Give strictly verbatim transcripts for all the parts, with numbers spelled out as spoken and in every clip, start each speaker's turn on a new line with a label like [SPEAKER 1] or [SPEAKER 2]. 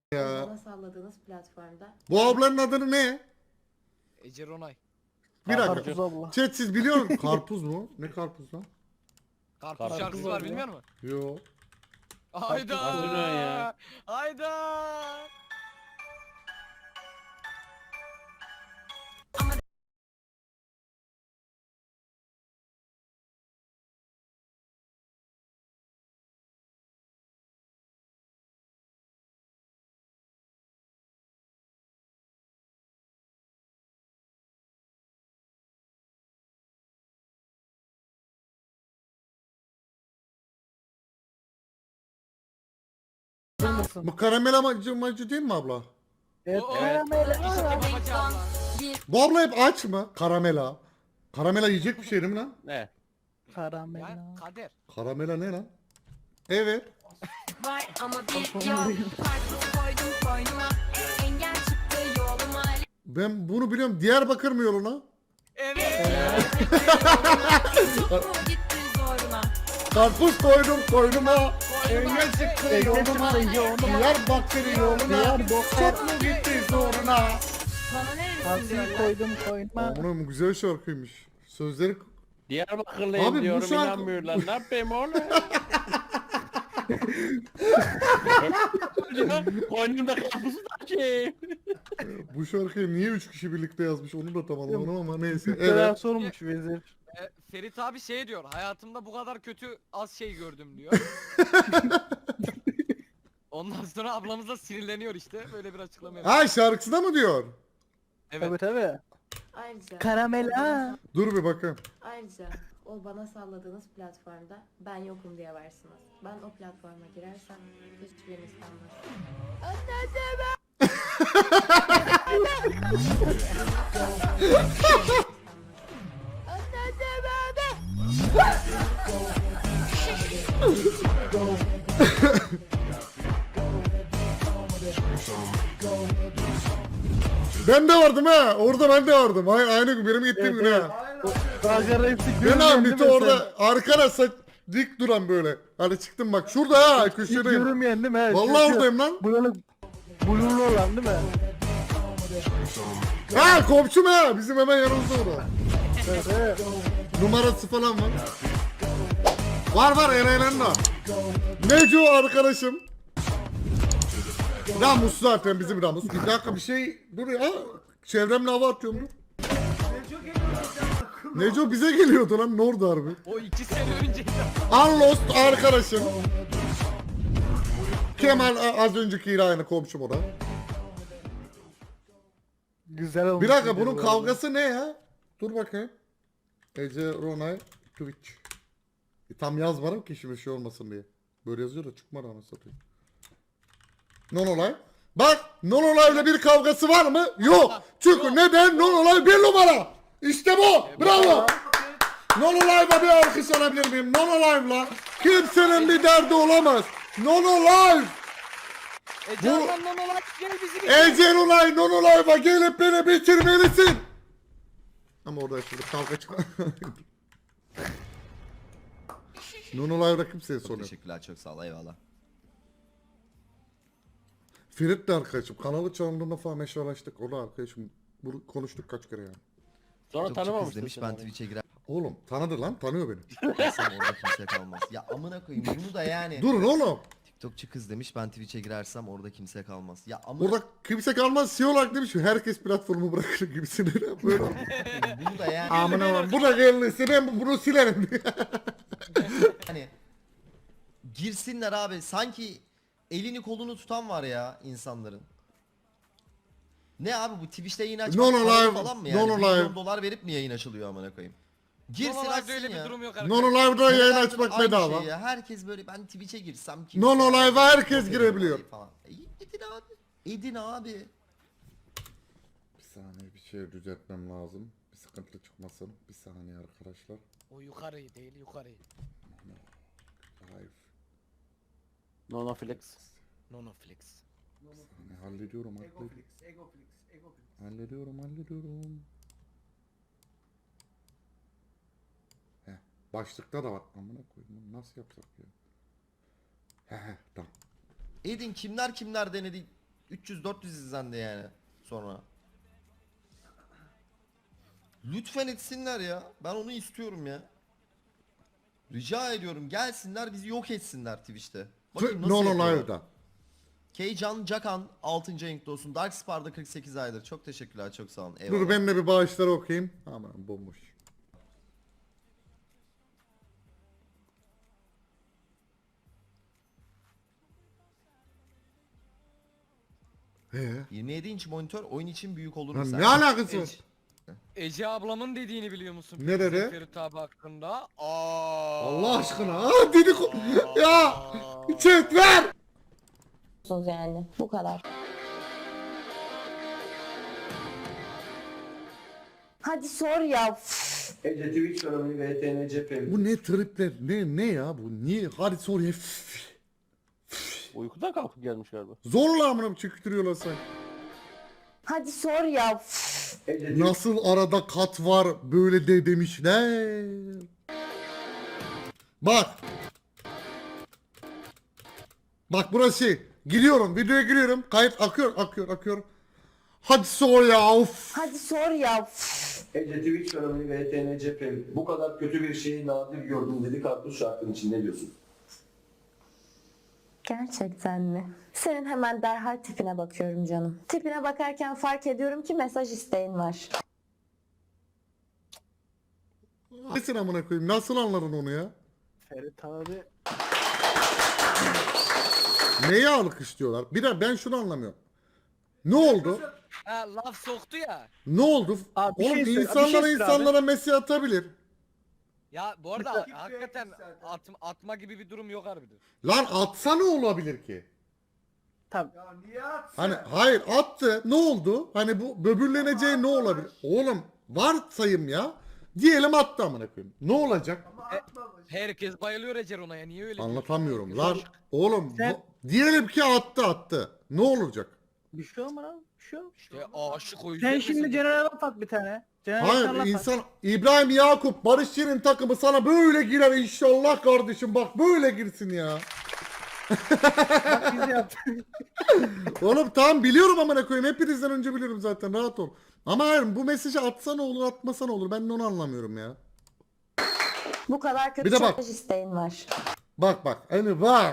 [SPEAKER 1] Ya.
[SPEAKER 2] Bana salladığınız platformda.
[SPEAKER 1] Bu ablanın adını ne?
[SPEAKER 3] Ece Ronay.
[SPEAKER 1] Bir dakika.
[SPEAKER 4] Karpuz abla.
[SPEAKER 1] Chat siz biliyor musunuz? Karpuz mu? Ne karpuz lan?
[SPEAKER 3] Karpuz
[SPEAKER 4] Karpuz
[SPEAKER 3] şarkısı
[SPEAKER 4] var
[SPEAKER 3] var
[SPEAKER 4] ya.
[SPEAKER 3] bilmiyor musun?
[SPEAKER 1] Yo.
[SPEAKER 3] Hayda.
[SPEAKER 4] Karpuz ne ya?
[SPEAKER 3] Hayda.
[SPEAKER 1] Bu karamel amacı macı değil mi abla?
[SPEAKER 4] Evet.
[SPEAKER 3] Oo,
[SPEAKER 4] Evet.
[SPEAKER 3] İşte babacı abla.
[SPEAKER 1] Bu abla hep aç mı? Karamela. Karamela yiyecek bir şey değil mi lan?
[SPEAKER 4] Ne? Karamel.
[SPEAKER 3] Ya kader.
[SPEAKER 1] Karamela ne lan? Evet.
[SPEAKER 5] Var ama bir yok. Karpuz koydum koynuma. Engel çıktı yoluma.
[SPEAKER 1] Ben bunu biliyorum. Diyarbakır mı yoluna?
[SPEAKER 3] Evet.
[SPEAKER 5] Tuttu gitti zoruna.
[SPEAKER 1] Karpuz koydum koynuma. Engel çıktı yoluma.
[SPEAKER 4] yoluma.
[SPEAKER 1] Diyarbakır yoluna.
[SPEAKER 4] Diyarbakır.
[SPEAKER 1] Çok mu gitti zoruna?
[SPEAKER 5] Bana neredesin
[SPEAKER 4] Karpuz
[SPEAKER 5] diyorlar.
[SPEAKER 4] koydum koyma.
[SPEAKER 1] Bunun güzel şarkıymış. Sözleri...
[SPEAKER 4] Diyarbakırlıyım
[SPEAKER 1] Abi bu
[SPEAKER 4] diyorum
[SPEAKER 1] şarkı-
[SPEAKER 4] inanmıyorlar. Ne yapayım oğlum? Koynumda karpuzu da şey.
[SPEAKER 1] Bu şarkıyı niye üç kişi birlikte yazmış onu da tam anlamadım ama neyse.
[SPEAKER 4] Evet.
[SPEAKER 1] Evet.
[SPEAKER 4] sormuş vezir.
[SPEAKER 3] E, Ferit abi şey diyor. Hayatımda bu kadar kötü az şey gördüm diyor. Ondan sonra ablamız da sinirleniyor işte. Böyle bir açıklama yapıyor.
[SPEAKER 1] Ha şarkısında mı diyor?
[SPEAKER 3] Evet.
[SPEAKER 4] Evet evet.
[SPEAKER 2] Ayrıca.
[SPEAKER 4] Karamel
[SPEAKER 2] o bana-
[SPEAKER 4] ha.
[SPEAKER 1] Dur bir bakayım.
[SPEAKER 2] Ayrıca o bana salladığınız platformda ben yokum diye varsınız. Ben o platforma girersem hiçbiriniz kalmaz.
[SPEAKER 1] Ben de vardım ha. Orada ben de vardım. Ay, aynı gün benim gittiğim gün ha.
[SPEAKER 4] Gaga reisi
[SPEAKER 1] Ben
[SPEAKER 4] görüyorum
[SPEAKER 1] abi
[SPEAKER 4] değil
[SPEAKER 1] Mito
[SPEAKER 4] mi
[SPEAKER 1] orada arkada saç dik duran böyle. Hani çıktım bak şurada ha
[SPEAKER 4] sen? Hiç
[SPEAKER 1] köşedeyim.
[SPEAKER 4] görünmeyen değil mi? Evet,
[SPEAKER 1] Vallahi
[SPEAKER 4] şu-
[SPEAKER 1] oradayım lan.
[SPEAKER 4] Böyle blurlu olan değil mi?
[SPEAKER 1] Ha komşum ha bizim hemen yanımızda orada.
[SPEAKER 4] Evet evet.
[SPEAKER 1] Numarası falan var. Var var Eren'in var. Neco arkadaşım. Ramus zaten bizim Ramus. Bir dakika bir şey dur ya. Çevremle hava atıyorum dur. Neco bize geliyordu lan ne oldu harbi?
[SPEAKER 3] O iki sene önceydi.
[SPEAKER 1] Unlost arkadaşım. Kemal a- az öncekiyle aynı komşum o da.
[SPEAKER 4] Güzel olmuş.
[SPEAKER 1] Bir dakika
[SPEAKER 4] video
[SPEAKER 1] bunun
[SPEAKER 4] bu arada.
[SPEAKER 1] kavgası ne ya? Dur bakayım. Ece Ronay Twitch. E, tam yazmadım ki şimdi şey olmasın diye. Böyle yazıyor da çıkmadı anasını satayım. Non-olay. Bak Non-olay'la bir kavgası var mı? Yok. Çünkü neden? Non-olay bir numara. İşte bu. Bravo. Non-olay'la bir alkış alabilir miyim? Non-olay'la kimsenin bir derdi olamaz. Non-olay.
[SPEAKER 3] E candan lan olarak gel bizi bitir.
[SPEAKER 1] Ece Ronay Non-olay'la gelip beni bitirmelisin. Ama orada şimdi kavga çıkma. Non-olay'la kimseye
[SPEAKER 6] Çok
[SPEAKER 1] soruyor.
[SPEAKER 6] teşekkürler, çok sağ ol, eyvallah.
[SPEAKER 1] Ferit de arkadaşım. Kanalı çaldığında falan meşrulaştık. O da arkadaşım. Bunu konuştuk kaç kere yani.
[SPEAKER 4] Sonra
[SPEAKER 6] TikTokçu kız
[SPEAKER 4] tanımamıştın
[SPEAKER 6] demiş
[SPEAKER 4] sen
[SPEAKER 6] ben
[SPEAKER 4] onu.
[SPEAKER 6] Twitch'e girersem
[SPEAKER 1] Oğlum tanıdı lan. Tanıyor beni.
[SPEAKER 6] orada kimse kalmaz. Ya amına koyayım bunu da yani.
[SPEAKER 1] Durun oğlum.
[SPEAKER 6] TikTokçu kız demiş ben Twitch'e girersem orada kimse kalmaz. Ya amına
[SPEAKER 1] Orada kimse kalmaz. C E O olarak demiş ki herkes platformu bırakır gibisine. Böyle.
[SPEAKER 6] koyayım bunu da yani.
[SPEAKER 1] Amına var. Bu da gelirse ben bunu silerim.
[SPEAKER 6] Hani girsinler abi sanki elini kolunu tutan var ya insanların. Ne abi bu Twitch'te yayın açmak
[SPEAKER 1] Non
[SPEAKER 6] paralı
[SPEAKER 1] alive,
[SPEAKER 6] falan mı yani?
[SPEAKER 1] non
[SPEAKER 6] Bir
[SPEAKER 1] alive.
[SPEAKER 6] milyon dolar verip mi yayın açılıyor amına koyayım? Girsin
[SPEAKER 3] Girsin
[SPEAKER 6] açsın
[SPEAKER 3] öyle bir
[SPEAKER 6] ya.
[SPEAKER 3] durum yok arkadaşlar.
[SPEAKER 1] Non Live'da yayın
[SPEAKER 6] Herhalde
[SPEAKER 1] açmak
[SPEAKER 6] aynı
[SPEAKER 1] bedava.
[SPEAKER 6] şey ya. Herkes böyle ben Twitch'e girsem kimse...
[SPEAKER 1] Non Live'a herkes
[SPEAKER 6] Yok,
[SPEAKER 1] girebiliyor.
[SPEAKER 6] falan. E, edin abi. Edin abi.
[SPEAKER 1] Bir saniye bir şey düzeltmem lazım. Bir sıkıntı çıkmasın. Bir saniye arkadaşlar.
[SPEAKER 3] O yukarıyı değil yukarıyı.
[SPEAKER 1] Live.
[SPEAKER 4] Nono flex.
[SPEAKER 3] Nonoflex.
[SPEAKER 1] Hani hallediyorum hallediyorum. Hallediyorum hallediyorum. Heh, başlıkta da var. Amına koyayım bunu nasıl yapsak ya? He he tamam.
[SPEAKER 6] Edin kimler kimler denedi. üç yüz dört yüz izlendi yani sonra. Lütfen etsinler ya. Ben onu istiyorum ya. Rica ediyorum gelsinler bizi yok etsinler Twitch'te. Bakayım nasıl
[SPEAKER 1] No no
[SPEAKER 6] yapıyorlar.
[SPEAKER 1] live'da.
[SPEAKER 6] Keycan Cakan altıncı ayınkta olsun. Darkspar'da kırk sekiz aydır. Çok teşekkürler, çok sağ olun.
[SPEAKER 1] Dur
[SPEAKER 6] Eyvallah.
[SPEAKER 1] ben de bir bağışları okuyayım. Aman bomboş. Ee,
[SPEAKER 6] yirmi yedi inç monitör oyun için büyük olur mu
[SPEAKER 1] lan
[SPEAKER 6] sen?
[SPEAKER 1] ne alakası var?
[SPEAKER 3] Ece, Ece ablamın dediğini biliyor musun?
[SPEAKER 1] Ne dedi?
[SPEAKER 3] Ferit abi hakkında. Aa.
[SPEAKER 1] Allah aşkına. Aa dedik. Ya. Chat ver.
[SPEAKER 2] Yani bu kadar. Hadi sor ya.
[SPEAKER 7] Ece Twitch fenomeni ve H T N cephe.
[SPEAKER 1] Bu ne tripler? Ne ne ya bu? Niye? Hadi sor ya. Üf.
[SPEAKER 4] Uykudan kalkıp gelmiş galiba.
[SPEAKER 1] Zorla amına çöktürüyorlar sen.
[SPEAKER 2] Hadi sor ya.
[SPEAKER 7] Ece Twitch
[SPEAKER 1] Nasıl arada kat var böyle de demişler. Bak. Bak burası şey. Giriyorum videoya giriyorum. Kayıt akıyor akıyor akıyor. Hadi sor ya of.
[SPEAKER 2] Hadi sor ya.
[SPEAKER 7] Ece Twitch fenomeni ve H T N cephe. Bu kadar kötü bir şeyi nadir gördüm dedi Kartuş şarkının için, ne diyorsun?
[SPEAKER 2] Gerçekten mi? Senin hemen derhal tipine bakıyorum canım. Tipine bakarken fark ediyorum ki mesaj isteğin var.
[SPEAKER 1] Nesin amına koyayım? Nasıl anladın onu ya?
[SPEAKER 4] Ferit abi.
[SPEAKER 1] Neye alkışlıyorlar? Bir de ben şunu anlamıyorum. Ne oldu?
[SPEAKER 3] Ha, laf soktu ya.
[SPEAKER 1] Ne oldu?
[SPEAKER 4] Abi bir
[SPEAKER 1] Oğlum
[SPEAKER 4] şey söyle- bir
[SPEAKER 1] insanlara
[SPEAKER 4] şey söyle abi.
[SPEAKER 1] insanlara mesaj atabilir.
[SPEAKER 3] Ya bu arada hakikaten at, atma gibi bir durum yok harbiden.
[SPEAKER 1] Lan atsa ne olabilir ki?
[SPEAKER 4] Tamam.
[SPEAKER 1] Hani hayır attı. Ne oldu? Hani bu böbürleneceği ne olabilir? Oğlum varsayım ya. Diyelim attı amına koyayım. Ne olacak?
[SPEAKER 3] Herkes bayılıyor Ece Rona'ya. Niye öyle diyorsun?
[SPEAKER 1] Anlatamıyorum
[SPEAKER 3] Herkes
[SPEAKER 1] lan.
[SPEAKER 3] aşık.
[SPEAKER 1] Oğlum
[SPEAKER 4] Sen-
[SPEAKER 1] bu- diyelim ki attı attı. Ne olacak?
[SPEAKER 4] Bir şey olmaz abi. Bir şey olmaz.
[SPEAKER 3] İşte aşık o yüzden.
[SPEAKER 4] Sen şimdi
[SPEAKER 3] mesaj-
[SPEAKER 4] Cener'e laf at bir tane. Cener'e
[SPEAKER 1] Hayır
[SPEAKER 4] laf at.
[SPEAKER 1] insan İbrahim Yakup Barış Şirin takımı sana böyle girer inşallah kardeşim bak böyle girsin ya.
[SPEAKER 4] Bak biz yaptık.
[SPEAKER 1] Oğlum tamam biliyorum amına koyayım hepinizden önce biliyorum zaten rahat ol. Ama hayır bu mesajı atsa ne olur atmasa ne olur ben de onu anlamıyorum ya.
[SPEAKER 2] Bu kadar kötü
[SPEAKER 1] Bir de bak.
[SPEAKER 2] mesaj isteğin var.
[SPEAKER 1] Bak bak hani bak.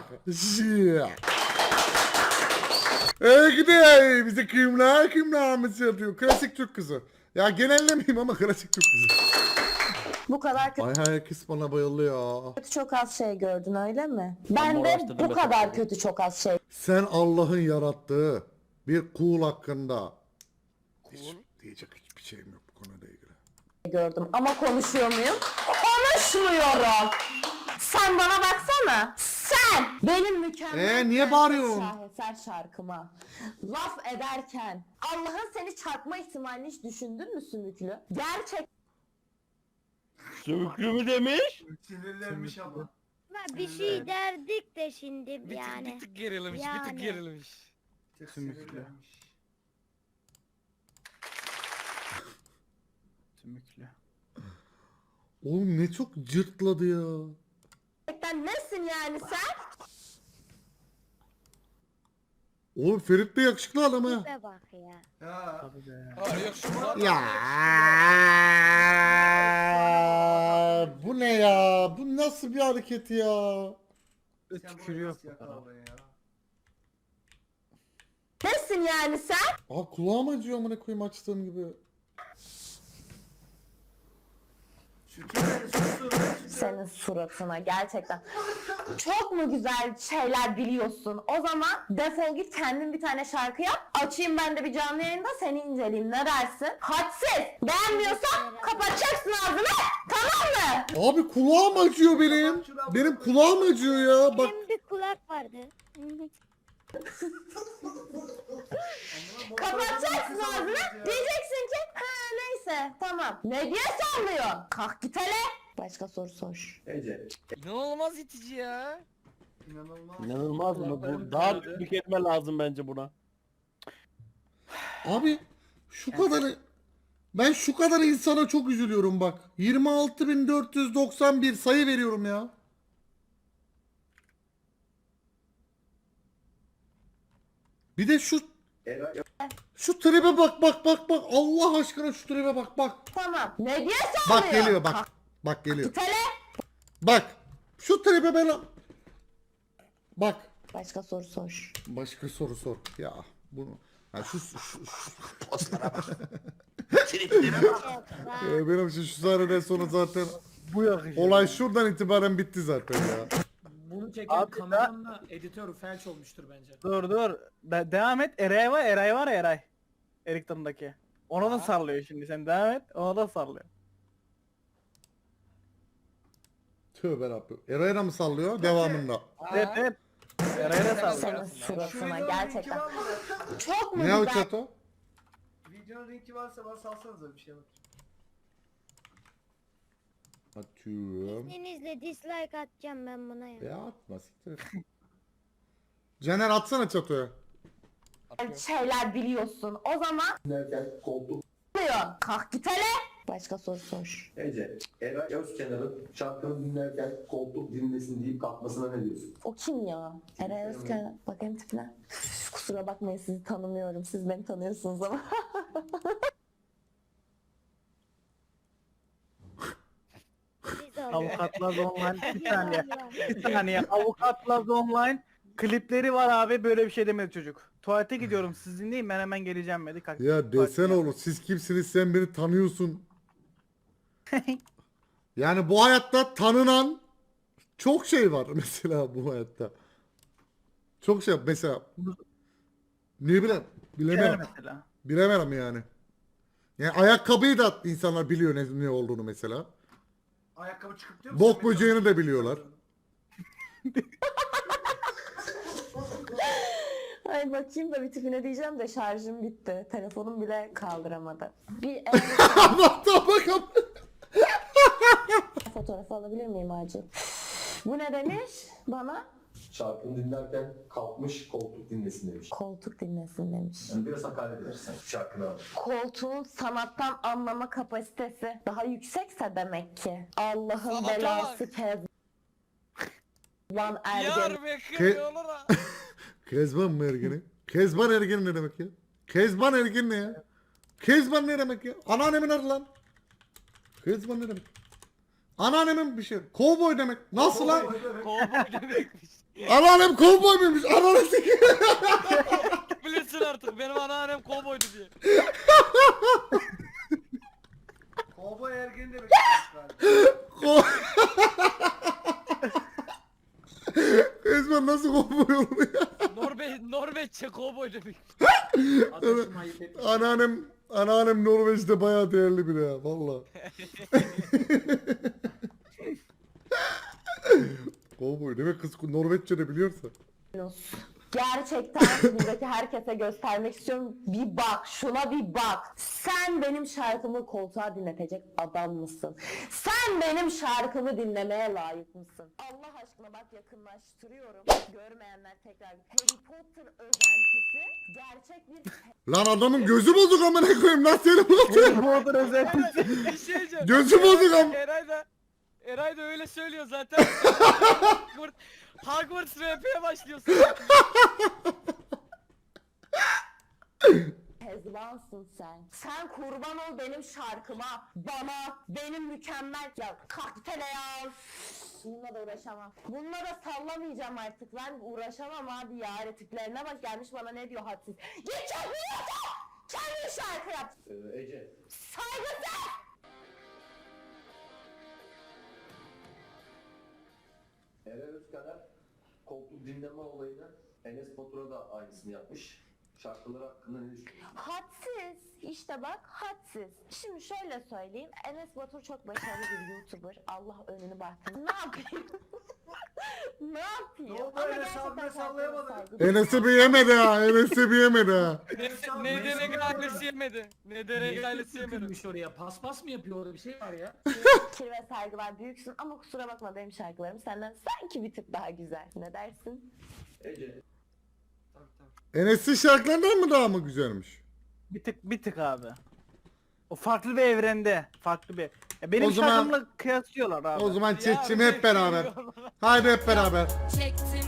[SPEAKER 1] Ey gidi bize kimler kimler mesaj atıyor klasik Türk kızı. Ya genellemeyeyim ama klasik Türk kızı.
[SPEAKER 2] Bu kadar kötü
[SPEAKER 1] Ay herkes bana bayıldı ya.
[SPEAKER 2] çok az şey gördün öyle mi? Ben de
[SPEAKER 4] araştırdım
[SPEAKER 2] bu
[SPEAKER 4] ben.
[SPEAKER 2] kadar kötü çok az şey
[SPEAKER 1] Sen Allah'ın yarattığı bir kul hakkında hiç diyecek hiçbir şeyim yok bu konuyla ilgili.
[SPEAKER 2] gördüm. Ama konuşuyor muyum? Konuşmuyorum. Sen bana baksana. Sen benim mükemmel
[SPEAKER 1] Ee, niye
[SPEAKER 2] prenses
[SPEAKER 1] bağırıyorsun?
[SPEAKER 2] şaheser şarkıma laf ederken Allah'ın seni çarpma ihtimalini hiç düşündün mü Sümüklü? Gerçek
[SPEAKER 4] Sümüklü mü demiş?
[SPEAKER 7] sinirlenmiş ama.
[SPEAKER 8] Bir şey derdik de şimdi
[SPEAKER 3] Bir tık, bir
[SPEAKER 8] yani.
[SPEAKER 3] tık gerilmiş, bir tık
[SPEAKER 8] Yani.
[SPEAKER 3] gerilmiş.
[SPEAKER 4] Sümüklü. Sümüklü.
[SPEAKER 1] Oğlum ne çok cırtladı ya.
[SPEAKER 2] gerçekten nesin yani sen?
[SPEAKER 1] Oğlum Ferit de yakışıklı adam ha.
[SPEAKER 8] Tipe bak ya.
[SPEAKER 4] Tabii be.
[SPEAKER 3] Ha, yok şu Murat
[SPEAKER 1] Ya bu ne ya? Bu nasıl bir hareket ya?
[SPEAKER 4] Tükürüyor.
[SPEAKER 2] Nesin yani sen?
[SPEAKER 1] Aa kulağım acıyor amına koyayım açtığım gibi.
[SPEAKER 2] Senin suratına gerçekten. Çok mu güzel şeyler biliyorsun? O zaman defol git kendin bir tane şarkı yap. Açayım ben de bir canlı yayında seni inceleyeyim. Ne dersin? Hadsiz. Beğenmiyorsan kapatacaksın ağzını. Tamam mı?
[SPEAKER 1] Abi kulağım acıyor benim. Benim kulağım acıyor ya. Bak
[SPEAKER 8] Benim bir kulak vardı.
[SPEAKER 2] Kapatacaksın ağzını. Diyeceksin ki ha neyse tamam. Ne diye sallıyorsun? Kalk git hele. Başka soru sor.
[SPEAKER 7] Ece.
[SPEAKER 3] İnanılmaz itici ya.
[SPEAKER 4] İnanılmaz mı? Bu daha büyük bir kelime lazım bence buna.
[SPEAKER 1] abi şu kadar ben şu kadar insana çok üzülüyorum bak. yirmi altı bin dört yüz doksan bir sayı veriyorum ya. Bir de şu
[SPEAKER 7] Eray
[SPEAKER 1] Şu tribe bak bak bak bak. Allah aşkına şu tribe bak bak.
[SPEAKER 2] Tamam. Ne diye sallıyor?
[SPEAKER 1] Bak geliyor bak. Bak geliyor.
[SPEAKER 2] Git hele.
[SPEAKER 1] Bak. Şu tribe ben... Bak.
[SPEAKER 2] Başka soru sor.
[SPEAKER 1] Başka soru sor. Ya bunu... Ha şu... şu, şu, şu
[SPEAKER 6] Postlara bak.
[SPEAKER 1] Ee, benim için şu sahneden sonra zaten
[SPEAKER 4] Bu yakışır.
[SPEAKER 1] olay şuradan itibaren bitti zaten ya.
[SPEAKER 9] Bunu çeken
[SPEAKER 4] Abi
[SPEAKER 9] kameramanla editör felç olmuştur bence.
[SPEAKER 4] Dur dur. De- devam et. Eray var, Eray var ya Eray. Erikton'daki. Ona da sallıyor şimdi. Sen devam et. Ona da sallıyor.
[SPEAKER 1] Tövbe Rabbim. Eray'la mı sallıyor? Devamında.
[SPEAKER 4] Evet evet. Eray'a da
[SPEAKER 2] Senin
[SPEAKER 4] sallıyor.
[SPEAKER 2] suratına gerçekten. Çok mu
[SPEAKER 1] Ne o
[SPEAKER 2] güzel?
[SPEAKER 1] çato?
[SPEAKER 7] videonun linki varsa bana salsanıza bir şey bak.
[SPEAKER 1] Atıyorum.
[SPEAKER 8] İzninizle dislike atacağım ben buna ya.
[SPEAKER 1] Ya atma siktir et. Caner atsana çatoya.
[SPEAKER 2] Şeyler biliyorsun. O zaman
[SPEAKER 7] Dinlerken koltuk
[SPEAKER 2] diyor. Kalk git hele. Başka soru sor.
[SPEAKER 7] Ece, Eray Özkenar'ın şarkını dinlerken koltuk dinlesin deyip kalkmasına ne diyorsun?
[SPEAKER 2] O kim ya? Eray Özkan. Bakayım tipine. Üf, kusura bakmayın sizi tanımıyorum. Siz beni tanıyorsunuz ama.
[SPEAKER 8] Biz olduk.
[SPEAKER 4] Avukatlar online. Bir saniye.
[SPEAKER 8] Eyvallah.
[SPEAKER 4] Bir saniye. Avukatlar online. Klipleri var abi. Böyle bir şey demedi çocuk. Tuvalete gidiyorum. Siz dinleyin. Ben hemen geleceğim dedi. Kalk.
[SPEAKER 1] Ya desene oğlum siz kimsiniz sen beni tanıyorsun. Yani bu hayatta tanınan çok şey var mesela bu hayatta. Çok şey mesela. Ne bileyim
[SPEAKER 4] Gel
[SPEAKER 1] bilemem.
[SPEAKER 4] mesela.
[SPEAKER 1] Bilemem yani. Yani ayakkabıyı da insanlar biliyor ne, ne olduğunu mesela.
[SPEAKER 9] Ayakkabı çıkıp diyor
[SPEAKER 1] Bok böceğini de biliyorlar.
[SPEAKER 2] Ay bakayım da bir tipine diyeceğim de şarjım bitti. Telefonum bile kaldıramadı. Bir
[SPEAKER 1] Allah'tan bakalım.
[SPEAKER 2] fotoğrafı alabilir miyim acil? Bu ne demiş bana?
[SPEAKER 7] Şarkını dinlerken kalkmış koltuk dinlesin demiş.
[SPEAKER 2] Koltuk dinlesin demiş.
[SPEAKER 7] Yani biraz hakaret edersen şarkını al.
[SPEAKER 2] Koltuğun sanattan anlama kapasitesi daha yüksekse demek ki. Allah'ın
[SPEAKER 3] Sanata
[SPEAKER 2] belası kez. Lan ergen.
[SPEAKER 3] Yar be
[SPEAKER 1] Ke-
[SPEAKER 3] kırıyorlar ha.
[SPEAKER 1] Kezban mı ergeni? Kezban ergeni ne demek ya? Kezban ergeni ne ya? Kezban ne demek ya? Anneannemin adı lan. Kezban ne demek? Anneannemin bir şey. Kovboy demek. Nasıl lan?
[SPEAKER 3] Kovboy demekmiş.
[SPEAKER 1] Anneannem kovboy muymuş? Anneannem sikiyor.
[SPEAKER 3] Bilirsin artık benim anneannem kovboydu diye.
[SPEAKER 9] Kovboy ergeni demek
[SPEAKER 1] Ko- Kezban nasıl kovboy olur ya?
[SPEAKER 3] Norve Norveççe kovboy demek.
[SPEAKER 9] Adaşım ayıp etmiş.
[SPEAKER 1] Anneannem, anneannem Norveç'te bayağı değerli biri ya. Valla. Kovboy demek kız Norveççe de biliyorsa.
[SPEAKER 2] Gerçekten buradaki herkese göstermek istiyorum. Bir bak, şuna bir bak. Sen benim şarkımı koltuğa dinletecek adam mısın? Sen benim şarkımı dinlemeye layık mısın? Allah aşkına bak yakınlaştırıyorum. Görmeyenler tekrar. Harry Potter özentisi gerçek bir...
[SPEAKER 1] Lan adamın gözü bozuk amına koyayım lan seni bu.
[SPEAKER 4] Bu odur özellikle.
[SPEAKER 3] Bir şey diyeceğim.
[SPEAKER 1] Gözü bozuk am.
[SPEAKER 3] Eray da Eray da öyle söylüyor zaten. Hogwarts, Hogwarts R P'ye başlıyorsun.
[SPEAKER 2] Kezbansın sen. Sen kurban ol benim şarkıma, bana, benim mükemmel... Ya kalk tele ya. Bununla da uğraşamam. Bununla da sallamayacağım artık. Ben uğraşamam abi ya. Tiplerine bak gelmiş bana ne diyor hadsiz. Git çalmıyorsa kendi şarkı yap.
[SPEAKER 7] Ee, Ece,
[SPEAKER 2] Saygısız.
[SPEAKER 7] Eray Özkenar koltuk dinleme olayını Enes Batur'a da aynısını yapmış. Şarkıları hakkında ne düşünüyorsun?
[SPEAKER 2] Hadsiz. İşte bak hadsiz. Şimdi şöyle söyleyeyim. Enes Batur çok başarılı bir YouTuber. Allah önünü bahtını. Ne yapayım? ne yapayım?
[SPEAKER 9] Ne oldu
[SPEAKER 2] Ama
[SPEAKER 9] Enes
[SPEAKER 2] gerçekten
[SPEAKER 9] abine
[SPEAKER 2] kendine
[SPEAKER 9] sallayamadın?
[SPEAKER 2] saygı
[SPEAKER 1] Enes'i bir yemedi ha. Enes'i bir yemedi ha.
[SPEAKER 3] Ne, ne derek ailesi yemedi. Ne derek ailesi yemedi.
[SPEAKER 9] Dökülmüş oraya. Paspas mı yapıyor orada bir şey var ya?
[SPEAKER 2] Fikir ve saygılar büyüksün ama kusura bakma benim şarkılarım senden sanki bir tık daha güzel. Ne dersin?
[SPEAKER 7] Ece,
[SPEAKER 9] Tabii tabii.
[SPEAKER 1] Enes'in şarkılarından mı daha mı güzelmiş?
[SPEAKER 4] Bir tık bir tık abi. O farklı bir evrende. Farklı bir. Ya benim
[SPEAKER 1] O zaman-
[SPEAKER 4] şarkımla kıyaslıyorlar abi.
[SPEAKER 1] O zaman
[SPEAKER 3] Ya
[SPEAKER 1] çekçim
[SPEAKER 3] bir
[SPEAKER 1] hep beraber.
[SPEAKER 3] şey
[SPEAKER 1] Haydi hep beraber.
[SPEAKER 5] Çektim